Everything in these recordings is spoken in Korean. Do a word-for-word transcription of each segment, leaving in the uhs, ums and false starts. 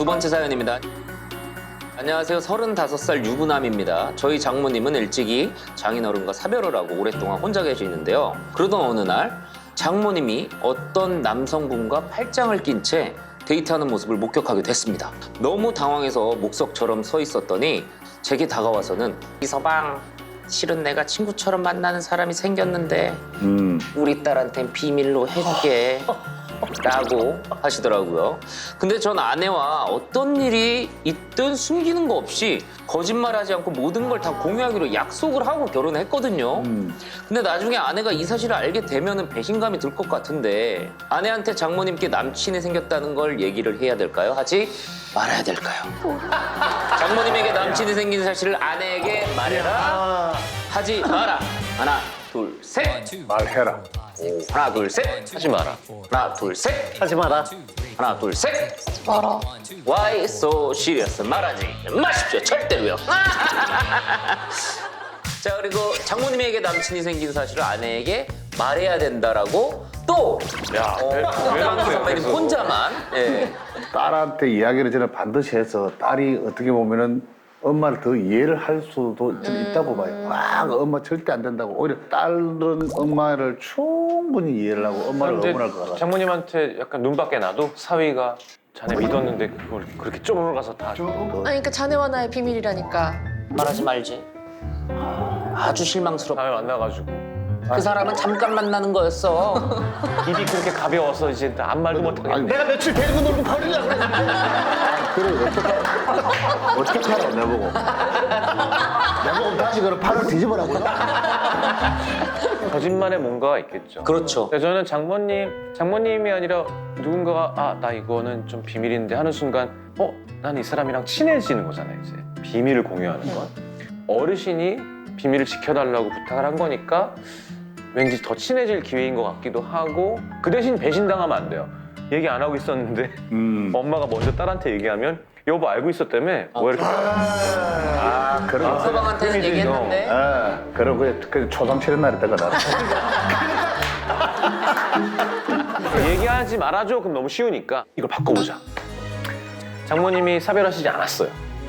두 번째 사연입니다. 안녕하세요. 서른다섯 살 유부남입니다. 저희 장모님은 일찍이 장인어른과 사별을 하고 오랫동안 혼자 계시는데요. 그러던 어느 날 장모님이 어떤 남성분과 팔짱을 낀 채 데이트하는 모습을 목격하게 됐습니다. 너무 당황해서 목석처럼 서 있었더니 제게 다가와서는 이서방, 실은 내가 친구처럼 만나는 사람이 생겼는데 음. 우리 딸한텐 비밀로 해줄게 라고 하시더라고요. 근데 전 아내와 어떤 일이 있든 숨기는 거 없이 거짓말하지 않고 모든 걸 다 공유하기로 약속을 하고 결혼했거든요. 음. 근데 나중에 아내가 이 사실을 알게 되면 배신감이 들 것 같은데 아내한테 장모님께 남친이 생겼다는 걸 얘기를 해야 될까요? 하지 말아야 될까요? 장모님에게 남친이 생긴 사실을 아내에게 말해라, 하지 마라. 하나, 둘, 셋. 말해라. 오, 하나, 둘, 셋. 하지 마라. 하나, 둘, 셋. 하지 마라. 하나, 둘, 셋. 말아. Why so serious? 말하지 마십시오. 절대로요. 자, 그리고 장모님에게 남친이 생긴 사실을 아내에게 말해야 된다라고 또 야, 어, 왜- 왜 박광수 그래, 선배님 그래서. 혼자만 예. 딸한테 이야기를 저는 반드시 해서 딸이 어떻게 보면은 엄마를 더 이해를 할 수도 좀 있다고 봐요. 와, 엄마 절대 안 된다고. 오히려 딸은 엄마를 충분히 이해를 하고 엄마를 근데 응원할 것 같아. 장모님한테 약간 눈밖에 나도 사위가 자네 믿었는데 그걸 그렇게 쪼물어 가서 다 아니 그러니까 자네와 나의 비밀이라니까. 말하지 말지. 아주 실망스럽다. 다음에 만나가지고 그 사람은 잠깐 만나는 거였어. 입이 그렇게 가벼워서 이제 아무 말도 못하겠네. 아니, 내가 며칠 데리고 놀고 버리려고 그래. 그래, 어떡하, 어떡하라, 내보고. 내보고 다시 그럼 팔을 뒤집어라고요? 거짓말에 뭔가가 있겠죠. 그렇죠. 근데 저는 장모님, 장모님이 아니라 누군가가 아, 나 이거는 좀 비밀인데 하는 순간 어? 난 이 사람이랑 친해지는 거잖아요, 이제. 비밀을 공유하는 건. 어르신이 비밀을 지켜달라고 부탁을 한 거니까 왠지 더 친해질 기회인 것 같기도 하고 그 대신 배신당하면 안 돼요. 얘기 안 하고 있었는데 음. 엄마가 먼저 딸한테 얘기하면 여보 알고 있었다며? 뭐 이렇게 아, 그런 거. 서방한테는 그림이지, 얘기했는데 아, 그럼 그, 그 초상 치는 날이 때가 나. 얘기하지 말아줘. 그럼 너무 쉬우니까 이걸 바꿔보자. 장모님이 사별하시지 않았어요.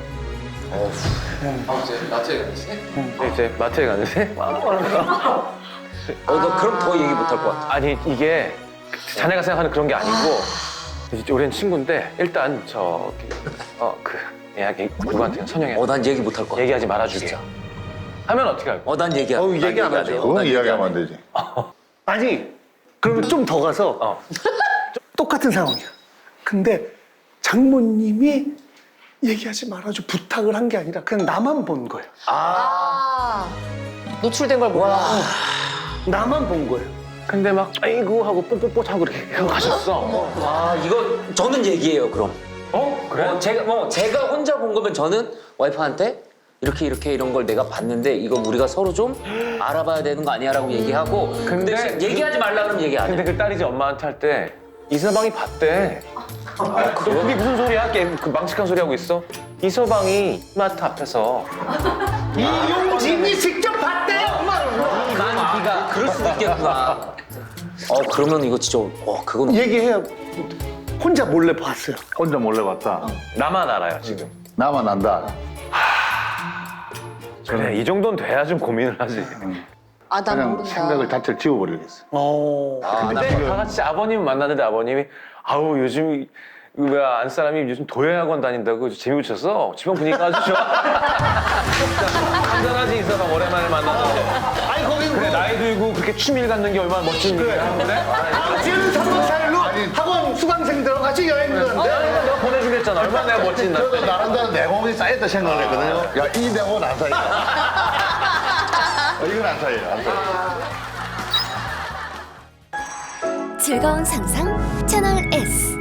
이제 마트에 가지? 근데 이제 마트에 갔는데 어, 너 그럼 더 얘기 못 할 것 같아. 아니 이게 자네가 생각하는 그런 게 아니고 이제 오랜 친구인데 일단 저기 어그 예약이 누구한테 선영이 어, 난 얘기 못 할 것 같아. 얘기하지 말아주게 하면 어떻게 할 거야? 어, 난 얘기 안 어, 난 얘기 안 안 하죠. 해요. 그건 난 얘기 이야기하면 안 안 해. 되지. 아니, 그러면 좀 더 가서 어. 똑같은 상황이야. 근데 장모님이 얘기하지 말아줘 부탁을 한 게 아니라 그냥 나만 본 거예요. 아 노출된 걸 몰라. 나만 본 거예요. 근데 막 아이고 하고 뽀뽀뽀 하고 그렇게 가셨어. 아, 이거 저는 얘기해요, 그럼. 어? 그래? 어, 제가 뭐 제가 혼자 본 거면 저는 와이프한테 이렇게 이렇게 이런 걸 내가 봤는데 이거 우리가 서로 좀 알아봐야 되는 거 아니야라고 얘기하고 근데, 근데 얘기하지 말라 그러면 얘기 안 해. 근데 그 딸이 이제 엄마한테 할 때 이서방이 봤대. 아, 그게 무슨 소리야? 걔 그 망측한 소리 하고 있어? 이서방이 이마트 앞에서 이용진이 직접 봤대 엄마를. 난 네가 그럴 수도 있겠구나. 어, 그러면 이거 진짜 어, 그건 얘기해야 혼자 몰래 봤어요. 혼자 몰래 봤다. 나만 알아요 지금. 나만 안다. 그래 이 정도는 돼야 좀 고민을 하지. 아 난 그냥 모른다. 생각을 자체를 지워버리겠어. 어. 근데 다 같이 아버님 만났는데 아버님이 아우 요즘 뭐야 안 사람이 요즘 도예학원 다닌다고 재미붙여서 집안 분위기가 아주 좋아. 한잔하지 이서방 오랜만에 만나서. 아니 거기는 그래 나이 들고 그렇게 취미를 갖는 게 얼마나 멋진 일이야. 그래? 지금 삼 박 사 일로 학원 수강생들과 같이 여행 가는데 내가 내가 보내주겠잖아. 얼마나 내가 멋진 날. 저도 나름대로 내공이 쌓였다 생각을 했거든요. 야, 이 내공은 안 쌓여. 어, 이건 안 쌓여요, 안 쌓여. 즐거운 상상 채널 S.